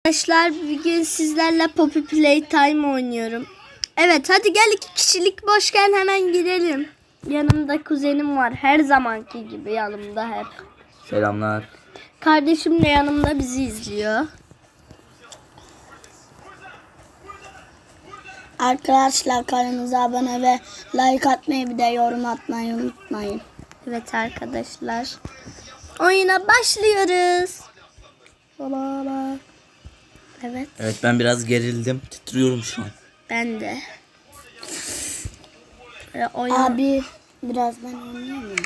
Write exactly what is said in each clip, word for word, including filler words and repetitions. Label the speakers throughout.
Speaker 1: Arkadaşlar bugün sizlerle Poppy Playtime oynuyorum. Evet hadi gel, iki kişilik boşken hemen girelim. Yanımda kuzenim var, her zamanki gibi yanımda hep.
Speaker 2: Selamlar.
Speaker 1: Kardeşim de yanımda bizi izliyor.
Speaker 3: Arkadaşlar kanalımıza abone ve like atmayı, bir de yorum atmayı unutmayın.
Speaker 1: Evet arkadaşlar, oyuna başlıyoruz. Baba. Evet.
Speaker 2: Evet, ben biraz gerildim. Titriyorum şu an.
Speaker 1: Ben de. Ee, oyun...
Speaker 3: Abi biraz ben oynayayım.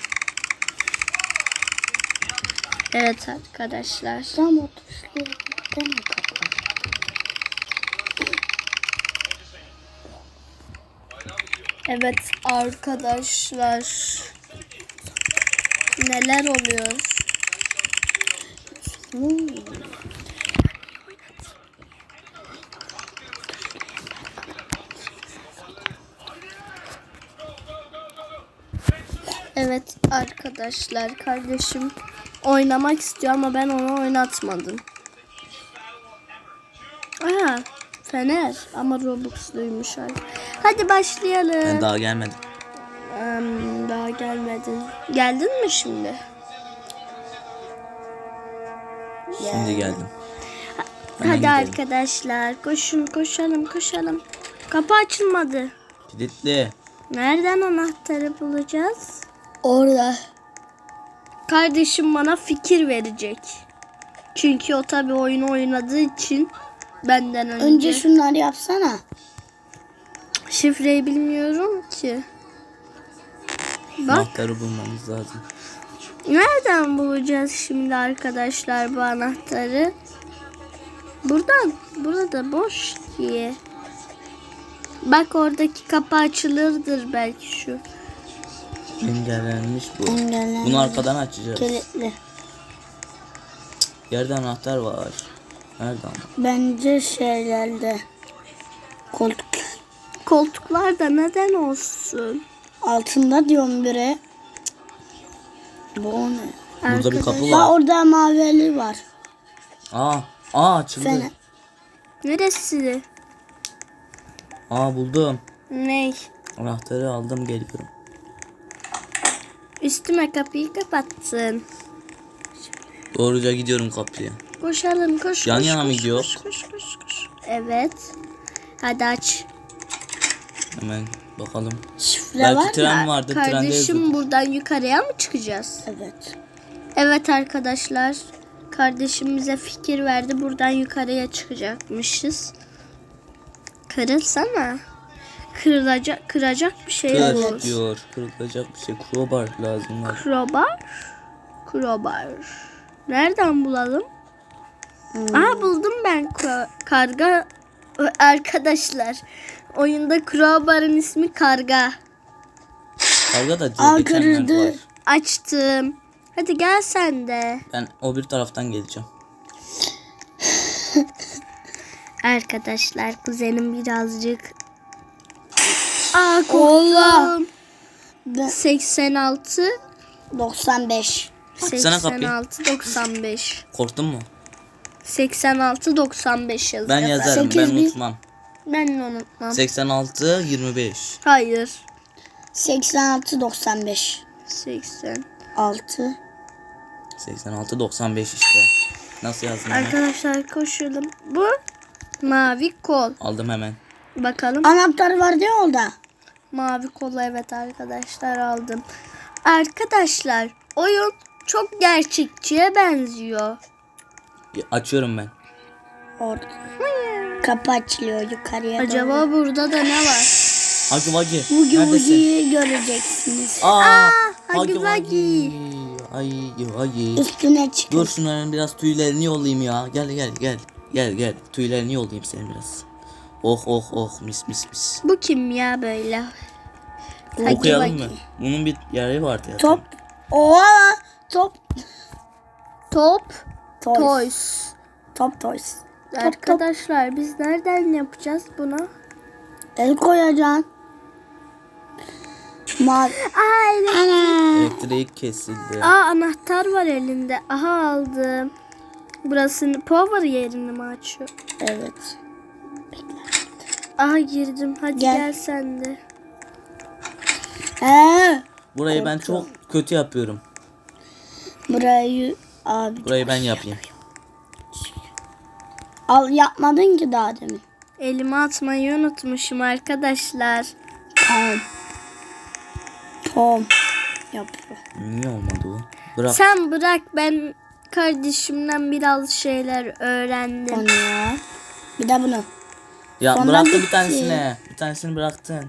Speaker 1: Evet arkadaşlar.
Speaker 3: Tam o tuşları deme kapat.
Speaker 1: Evet arkadaşlar. Neler oluyor?
Speaker 3: Hmm.
Speaker 1: Evet arkadaşlar, kardeşim oynamak istiyor ama ben onu oynatmadım. Aa, Fener ama Robux'luymuş. Hadi başlayalım.
Speaker 2: Ben daha gelmedim.
Speaker 1: Hmm, daha gelmedin. Geldin mi şimdi?
Speaker 2: Şimdi geldim. Hemen
Speaker 1: Hadi
Speaker 2: gidelim.
Speaker 1: arkadaşlar, koşun koşalım koşalım. Kapı açılmadı.
Speaker 2: Kilitli.
Speaker 1: Nereden anahtarı bulacağız?
Speaker 3: Orada.
Speaker 1: Kardeşim bana fikir verecek. Çünkü o tabi oyunu oynadığı için benden önce.
Speaker 3: Önce şunları yapsana.
Speaker 1: Şifreyi bilmiyorum ki. Bak,
Speaker 2: Anahtarı bulmamız lazım.
Speaker 1: nereden bulacağız şimdi arkadaşlar bu anahtarı? Buradan. Burada boş ki. Bak, oradaki kapı açılırdır belki şu.
Speaker 2: Engellenmiş bu.
Speaker 3: Engellenmiş.
Speaker 2: Bunu arkadan açacağız.
Speaker 3: Kilitli.
Speaker 2: Yerde anahtar var. Nerede ama?
Speaker 3: Bence şeylerde. Koltuk.
Speaker 1: Koltuklarda neden olsun?
Speaker 3: Altında diyorum biri. Bu o ne?
Speaker 2: Burada bir kapı
Speaker 3: Aa,
Speaker 2: var.
Speaker 3: orada mavili var.
Speaker 2: Aa, aa açıldı.
Speaker 3: Fener.
Speaker 1: Neresi?
Speaker 2: Aa, buldum.
Speaker 1: Ney?
Speaker 2: Anahtarı aldım, geliyorum.
Speaker 1: Üstüme kapıyı kapattın.
Speaker 2: Doğruca gidiyorum kapıya.
Speaker 1: Koşalım koş.
Speaker 2: Yan
Speaker 1: koş,
Speaker 2: yana mı
Speaker 1: koş,
Speaker 2: gidiyor?
Speaker 1: Koş, koş, koş, koş. Evet. Hadi aç.
Speaker 2: Hemen bakalım.
Speaker 3: Şifre
Speaker 2: Belki
Speaker 3: var
Speaker 2: tren
Speaker 3: mı?
Speaker 2: vardı. Trende
Speaker 1: Kardeşim,
Speaker 2: yazıyordu.
Speaker 1: buradan yukarıya mı çıkacağız?
Speaker 3: Evet.
Speaker 1: Evet arkadaşlar. Kardeşim bize fikir verdi. Buradan yukarıya çıkacakmışız. Kırılsana. Kırılacak, kıracak bir şey
Speaker 2: Kır
Speaker 1: olur.
Speaker 2: diyor. Kırılacak bir şey. Crowbar lazım var.
Speaker 1: Crowbar. Crowbar. Nereden bulalım?
Speaker 3: Hmm.
Speaker 1: Aa, buldum ben Ko- karga. Ö, Arkadaşlar, oyunda Crowbar'ın ismi Karga.
Speaker 2: Karga da
Speaker 3: Aa,
Speaker 2: diye geçenler
Speaker 3: kırıldı.
Speaker 2: var.
Speaker 1: Açtım. Hadi gel sen de.
Speaker 2: Ben o bir taraftan geleceğim.
Speaker 1: Arkadaşlar, kuzenim birazcık. Aa,
Speaker 3: Allah.
Speaker 1: korktum.
Speaker 3: Ben-
Speaker 1: seksen altı
Speaker 3: doksan beş.
Speaker 2: Açsana kapıyı.
Speaker 1: seksen altı doksan beş.
Speaker 2: Korktun mu?
Speaker 1: seksen altı doksan beş yazıyor.
Speaker 2: Ben yazarım,
Speaker 3: sekiz
Speaker 2: ben
Speaker 3: bin.
Speaker 2: unutmam.
Speaker 1: Ben de unutmam.
Speaker 2: seksen altı yirmi beş.
Speaker 1: Hayır.
Speaker 3: seksen altı doksan beş.
Speaker 1: seksen.
Speaker 3: altı.
Speaker 2: seksen altı doksan beş işte. Nasıl yazdın? Hemen?
Speaker 1: Arkadaşlar koşalım. Bu mavi kol.
Speaker 2: Aldım hemen.
Speaker 1: Bakalım.
Speaker 3: Anahtar var diyor orada.
Speaker 1: Mavi kolu, evet arkadaşlar, aldım. Arkadaşlar, oyun çok gerçekçiye benziyor.
Speaker 2: Ya, açıyorum ben.
Speaker 3: Orada. Kapı açılıyor yukarıya
Speaker 1: Acaba
Speaker 3: doğru.
Speaker 1: burada da ne var?
Speaker 2: Hagi Vagi.
Speaker 3: Vugi
Speaker 2: Neredesin?
Speaker 3: Vugi'yi göreceksiniz.
Speaker 2: Aa,
Speaker 1: Hagi Vagi.
Speaker 2: Ay Hagi.
Speaker 3: Üstüne çıkın.
Speaker 2: Dur şunların biraz tüylerini yollayayım ya. Gel gel gel. Gel gel. Tüylerini yollayayım senin biraz. Oh oh oh, mis mis mis.
Speaker 1: Bu kim ya böyle? Hagi
Speaker 2: Okuyalım
Speaker 1: Vagi.
Speaker 2: mı? Bunun bir yeri vardı ya.
Speaker 3: Top. Oha. Top.
Speaker 1: Top.
Speaker 3: Toys.
Speaker 1: Toys.
Speaker 3: Top toys. Top, top.
Speaker 1: Arkadaşlar, biz nereden yapacağız bunu?
Speaker 3: El koyacaksın. Mavi.
Speaker 1: Aa,
Speaker 3: Ana.
Speaker 2: Elektrik kesildi.
Speaker 1: Aa, anahtar var elinde. Aha, aldım. Burasını power yerini mi açıyor?
Speaker 3: Evet.
Speaker 1: Aha girdim. Hadi
Speaker 3: Gel.
Speaker 1: gel, sen de.
Speaker 3: He.
Speaker 2: Burayı ben çok kötü yapıyorum.
Speaker 3: Burayı abi
Speaker 2: Burayı ben yapayım.
Speaker 3: al yapmadın ki daha demin.
Speaker 1: Elime atmayı unutmuşum arkadaşlar.
Speaker 3: Tamam. Tom yapıyor.
Speaker 2: Niye olmadı bu? Bırak.
Speaker 1: Sen bırak, ben kardeşimden biraz şeyler öğrendim.
Speaker 3: Onu ya. Bir de bunu.
Speaker 2: Ya
Speaker 3: Sonra
Speaker 2: bıraktın bir
Speaker 3: bitti.
Speaker 2: tanesini. Bir tanesini bıraktın.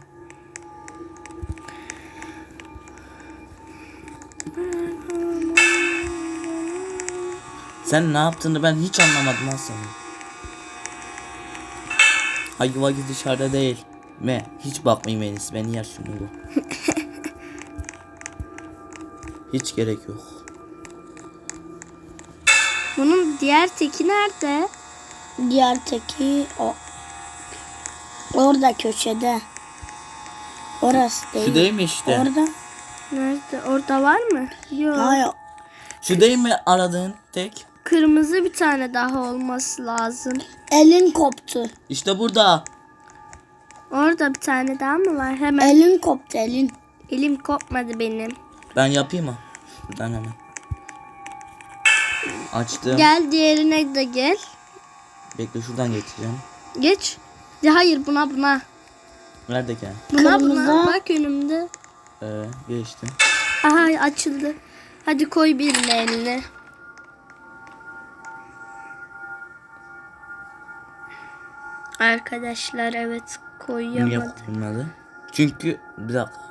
Speaker 2: Sen ne yaptığını ben hiç anlamadım ha senin. Hayır vakit dışarıda değil. Me hiç bakmayayım en iyisi. Beni yer şimdi bu. Hiç gerek yok.
Speaker 1: Bunun diğer teki nerede?
Speaker 3: Diğer teki o. Orada köşede. Orası değil.
Speaker 2: Şu değil mi işte?
Speaker 3: Orada.
Speaker 1: Nerede? Orada var mı? Yok.
Speaker 3: Hayır.
Speaker 2: Şu değil mi aradığın tek?
Speaker 1: Kırmızı bir tane daha olması lazım.
Speaker 3: Elin koptu.
Speaker 2: İşte burada.
Speaker 1: Orada bir tane daha mı var? Hemen.
Speaker 3: Elin koptu elin.
Speaker 1: Elim kopmadı benim.
Speaker 2: Ben yapayım mı? Şuradan hemen. Açtım.
Speaker 1: Gel diğerine de gel.
Speaker 2: Bekle şuradan geçeceğim.
Speaker 1: Geç. Ya hayır, buna buna.
Speaker 2: Nerede ki?
Speaker 1: Buna
Speaker 3: Kırmızı.
Speaker 1: buna. Bak önümde.
Speaker 2: Ee, geçtim.
Speaker 1: Aha açıldı. Hadi koy birine eline. Arkadaşlar evet,
Speaker 2: Niye
Speaker 1: koyamadım.
Speaker 2: koyulmadı? Çünkü bir dakika.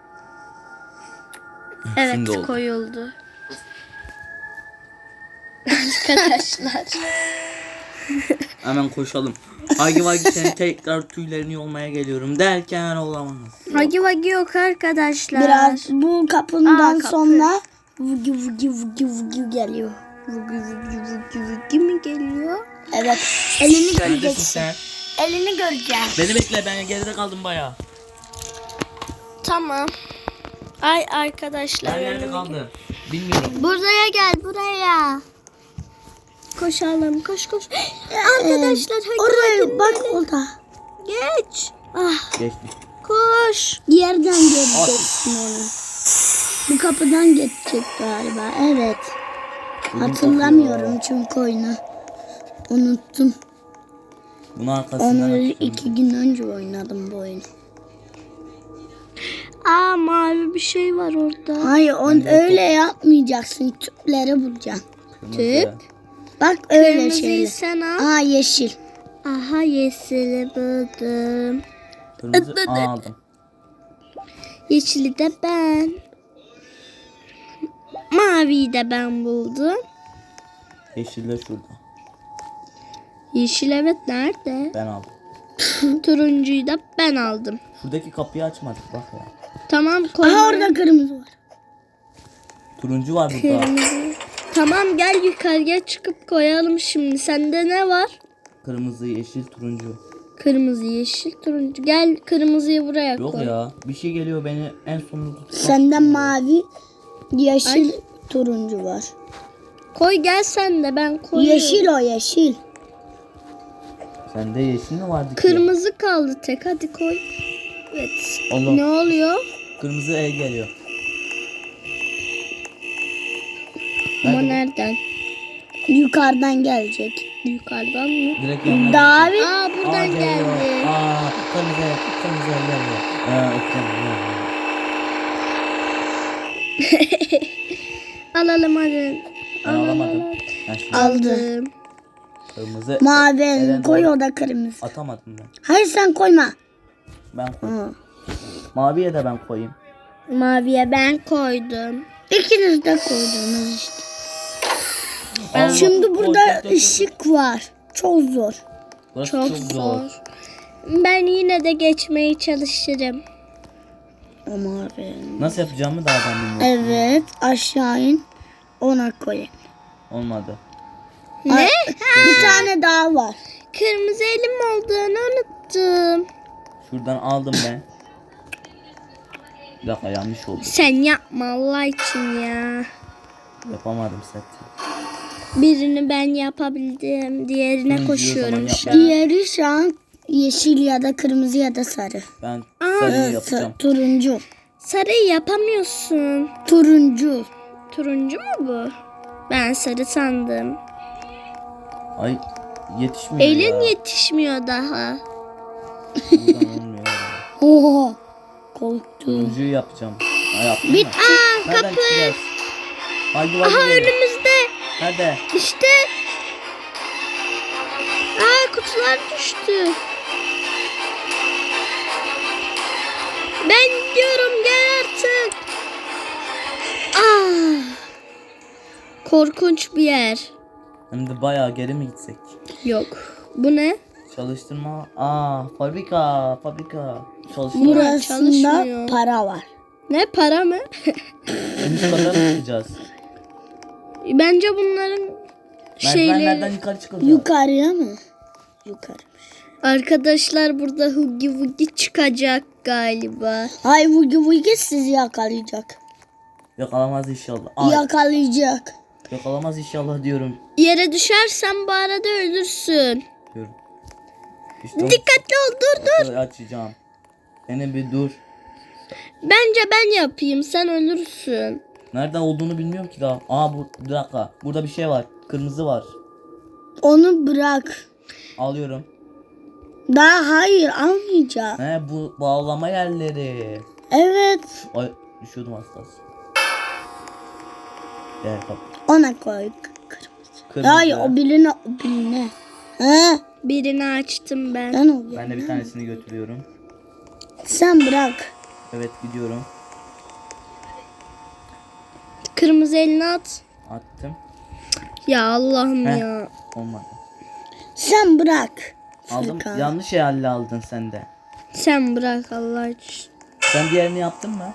Speaker 1: Evet
Speaker 2: Şimdi oldu.
Speaker 1: koyuldu. Arkadaşlar.
Speaker 2: Hemen koşalım. Hagi Vagi senin tekrar tüylerini yolmaya geliyorum derken olamaz.
Speaker 1: Hagi vagi yok arkadaşlar.
Speaker 3: Biraz bu kapından
Speaker 1: Aa, kapı.
Speaker 3: sonra vugi vugi vugi vugi geliyor.
Speaker 1: Vugi vugi vugi vugi mi geliyor?
Speaker 3: Evet. Elini
Speaker 2: Neredesin
Speaker 3: göreceksin.
Speaker 2: sen?
Speaker 3: Elini göreceğim.
Speaker 2: Beni bekle, ben geride kaldım bayağı.
Speaker 1: Tamam. Ay arkadaşlar.
Speaker 2: Ben nerede kaldım? Bilmiyorum.
Speaker 1: Buraya gel, buraya. Koşalım, koş koş. Arkadaşlar hadi
Speaker 3: Oraya
Speaker 1: hadi,
Speaker 3: bak
Speaker 1: böyle.
Speaker 3: orada.
Speaker 1: Geç. Ah,
Speaker 2: Geçtim.
Speaker 1: koş.
Speaker 3: Yerden geçeceksin onu. Bu kapıdan geçecek galiba. Evet. Hatırlamıyorum çünkü oyunu. Unuttum.
Speaker 2: Bunu arkasından
Speaker 3: Onu
Speaker 2: açıyorum.
Speaker 3: iki gün önce oynadım bu oyunu.
Speaker 1: Aa, mavi bir şey var orada.
Speaker 3: Hayır on öyle yapmayacaksın. Tüpleri bulacaksın.
Speaker 2: Kırmızı.
Speaker 1: Tüp.
Speaker 3: Bak öyle
Speaker 1: Kırmızıyı
Speaker 3: şeyler.
Speaker 1: sen al.
Speaker 3: Aa yeşil.
Speaker 1: Aha, yeşili buldum.
Speaker 2: Kırmızı aldım.
Speaker 1: Yeşili de ben. Maviyi de ben buldum.
Speaker 2: Yeşil de şurada.
Speaker 1: Yeşil evet nerede?
Speaker 2: Ben aldım.
Speaker 1: Turuncuyu da ben aldım.
Speaker 2: Şuradaki kapıyı açmadık bak ya.
Speaker 1: Tamam koy.
Speaker 3: Aha orada kırmızı var.
Speaker 2: Turuncu var burada.
Speaker 1: Kırmızı. Tamam gel yukarıya çıkıp koyalım şimdi. Sende ne var?
Speaker 2: Kırmızı, yeşil, turuncu.
Speaker 1: Kırmızı, yeşil, turuncu. Gel kırmızıyı buraya
Speaker 2: Yok
Speaker 1: koy.
Speaker 2: ya. Bir şey geliyor beni en sonunda tutmak.
Speaker 3: Sende mavi, yeşil,
Speaker 1: Ay.
Speaker 3: turuncu var.
Speaker 1: Koy gel sen de, ben koyuyorum.
Speaker 3: Yeşil o yeşil.
Speaker 2: Sende yeşil mi vardı ki?
Speaker 1: Kırmızı kaldı tek, hadi koy. Evet.
Speaker 2: Allah.
Speaker 1: Ne oluyor?
Speaker 2: Kırmızı el geliyor.
Speaker 1: Ama
Speaker 2: Nerede
Speaker 1: nereden?
Speaker 3: Yukarıdan gelecek.
Speaker 1: Yukarıdan mı?
Speaker 2: Direkt yanına
Speaker 3: Davi.
Speaker 1: Aa
Speaker 2: geliyor.
Speaker 1: buradan
Speaker 2: Aa, geliyor.
Speaker 1: geldi.
Speaker 2: Aa, kırmızı el, kırmızı el geliyor. Aa, öpeceğim.
Speaker 1: Alalım hadi.
Speaker 2: Ben alamadım. Ben şimdi
Speaker 1: Aldım.
Speaker 2: kırmızı
Speaker 3: Mavi
Speaker 2: ele
Speaker 3: koy
Speaker 2: doğru
Speaker 3: o da kırmızı.
Speaker 2: atamadım ben.
Speaker 3: Hayır sen koyma.
Speaker 2: Ben koyayım.
Speaker 3: Hı.
Speaker 2: Maviye de ben koyayım.
Speaker 1: Maviye ben koydum.
Speaker 3: İkiniz de koydunuz işte.
Speaker 2: Allah,
Speaker 3: Şimdi
Speaker 2: koy,
Speaker 3: burada
Speaker 2: koy, koy, koy.
Speaker 3: ışık var. Çok zor.
Speaker 2: Burası
Speaker 1: Çok, zor. Ben yine de geçmeye çalışırım.
Speaker 3: O mavi.
Speaker 2: Nasıl yapacağımı daha ben bilmiyorum.
Speaker 3: Evet aşağı in. Ona koy.
Speaker 2: Olmadı.
Speaker 1: Ne?
Speaker 3: Bir tane daha var.
Speaker 1: Kırmızı elim olduğunu unuttum.
Speaker 2: Şuradan aldım ben. Bir dakika yanlış oldu.
Speaker 1: Sen yapma Allah için ya.
Speaker 2: Yapamadım zaten.
Speaker 1: Birini ben yapabildim. Diğerine
Speaker 2: Hı,
Speaker 1: koşuyorum
Speaker 2: diyor,
Speaker 1: şu
Speaker 2: zaman
Speaker 1: an.
Speaker 2: yap.
Speaker 3: Diğeri şu an yeşil ya da kırmızı ya da sarı.
Speaker 2: Ben
Speaker 1: Aa,
Speaker 2: sarıyı
Speaker 3: Ee,
Speaker 2: yapacağım.
Speaker 3: sa- turuncu.
Speaker 1: Sarıyı yapamıyorsun.
Speaker 3: Turuncu.
Speaker 1: Turuncu mu bu? Ben sarı sandım.
Speaker 2: Ay yetişmiyor
Speaker 1: Elin
Speaker 2: ya.
Speaker 1: yetişmiyor daha.
Speaker 2: Buradan olmuyor.
Speaker 3: Oha. Korktum.
Speaker 2: Turuncuyu yapacağım. Ha, yaptın
Speaker 3: Bit-
Speaker 2: mı?
Speaker 1: Aa,
Speaker 2: Nereden
Speaker 1: kapı.
Speaker 2: çıkacağız? Haydi
Speaker 1: Aha
Speaker 2: haydi.
Speaker 1: önümüzde.
Speaker 2: Nerede?
Speaker 1: İşte. Aa kutular düştü. Ben gidiyorum, gel artık. Ah. Korkunç bir yer.
Speaker 2: Hem de bayağı geri mi gitsek?
Speaker 1: Yok. Bu ne?
Speaker 2: Çalıştırma. Aa fabrika. Fabrika. Çalıştırma.
Speaker 1: Burası-
Speaker 3: Burasında
Speaker 1: çalışmıyor.
Speaker 3: para var.
Speaker 1: Ne, para mı?
Speaker 2: En üst kata mı çıkacağız?
Speaker 1: Bence bunların
Speaker 2: Merdivenlerden
Speaker 1: şeyleri.
Speaker 2: yukarı çıkacağız.
Speaker 3: Yukarıya mı? Yukarı.
Speaker 1: Arkadaşlar burada Huggy Wuggy çıkacak galiba.
Speaker 3: Ay Vugi Vugi sizi yakalayacak.
Speaker 2: Yakalamaz inşallah. Ay,
Speaker 3: Yakalayacak.
Speaker 2: yakalamaz inşallah diyorum.
Speaker 1: Yere düşersen bu arada ölürsün.
Speaker 2: Diyorum. İşte onu
Speaker 1: Dikkatli ol, dur dur.
Speaker 2: açacağım. Beni bir dur.
Speaker 1: Bence ben yapayım, sen ölürsün.
Speaker 2: Nereden olduğunu bilmiyorum ki daha. Aa bu bir dakika. Burada bir şey var. Kırmızı var.
Speaker 3: Onu bırak.
Speaker 2: Alıyorum.
Speaker 3: Daha hayır almayacağım.
Speaker 2: He bu bağlama yerleri.
Speaker 3: Evet.
Speaker 2: Ay düşüyordum az kalsın. Gel kap.
Speaker 3: Ona koy.
Speaker 2: Kırmızı.
Speaker 3: Hayır o birine o birine. He?
Speaker 1: Birini açtım ben.
Speaker 3: Ben o
Speaker 2: Ben de bir tanesini götürüyorum.
Speaker 3: Sen bırak.
Speaker 2: Evet gidiyorum.
Speaker 1: Kırmızı elini at.
Speaker 2: Attım.
Speaker 1: Ya Allah'ım
Speaker 2: Heh.
Speaker 1: ya.
Speaker 2: Olmadı.
Speaker 3: Sen bırak.
Speaker 2: Aldım.
Speaker 3: Furkan.
Speaker 2: Yanlış yerle aldın sen de.
Speaker 1: Sen bırak Allah için.
Speaker 2: Sen diğerini yaptın mı?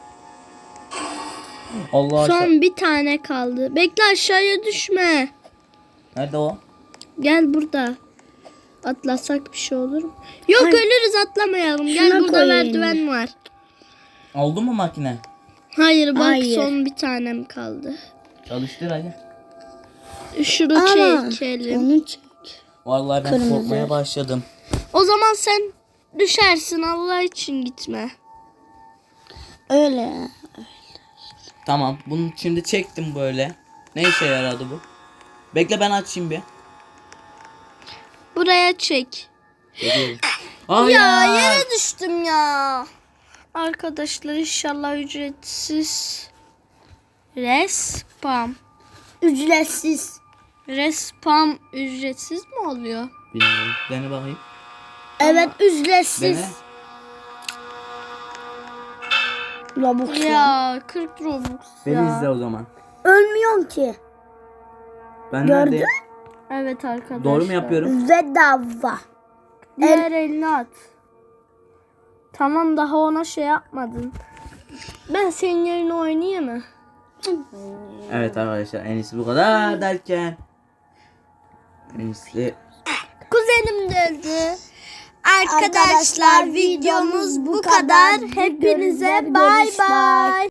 Speaker 2: Allah aşkına.
Speaker 1: Son bir tane kaldı. Bekle, aşağıya düşme.
Speaker 2: Nerede o?
Speaker 1: Gel burada. Atlasak bir şey olur mu? Yok,
Speaker 3: Hayır.
Speaker 1: ölürüz, atlamayalım. Gel,
Speaker 3: Şuna
Speaker 1: burada
Speaker 3: koyayım.
Speaker 1: merdiven var.
Speaker 2: Oldu mu makine?
Speaker 1: Hayır bak,
Speaker 3: Hayır.
Speaker 1: son bir tanem kaldı.
Speaker 2: Çalıştır hadi.
Speaker 1: Şunu
Speaker 3: Ama
Speaker 1: çekelim.
Speaker 3: onu çek.
Speaker 2: Vallahi ben
Speaker 3: Kırmızı.
Speaker 2: korkmaya başladım.
Speaker 1: O zaman sen düşersin, Allah için gitme.
Speaker 3: Öyle.
Speaker 2: Tamam. Bunu şimdi çektim böyle. Ne işe yaradı bu? Bekle ben açayım bir.
Speaker 1: Buraya çek.
Speaker 2: Geliyorum. Hayır.
Speaker 1: Ya yere düştüm ya. Arkadaşlar inşallah ücretsiz. Respam.
Speaker 3: Ücretsiz.
Speaker 1: Respam ücretsiz mi oluyor?
Speaker 2: Bilmiyorum. Dene bakayım.
Speaker 3: Evet ücretsiz.
Speaker 2: Dene.
Speaker 3: Robux ya.
Speaker 1: Ya kırk Robux
Speaker 2: Beni
Speaker 1: ya.
Speaker 2: izle o zaman.
Speaker 3: Ölmüyorsun ki.
Speaker 2: Ben
Speaker 3: Gördün?
Speaker 2: neredeyim?
Speaker 1: Evet arkadaşlar.
Speaker 2: Doğru mu yapıyorum?
Speaker 3: Bedava.
Speaker 1: Diğer elini at. Tamam, daha ona şey yapmadın. Ben senin yerine oynayayım mı?
Speaker 2: Evet arkadaşlar en iyisi bu kadar derken. En iyisi.
Speaker 1: Kuzenim de öldü. Arkadaşlar videomuz bu kadar. Hepinize bay bay.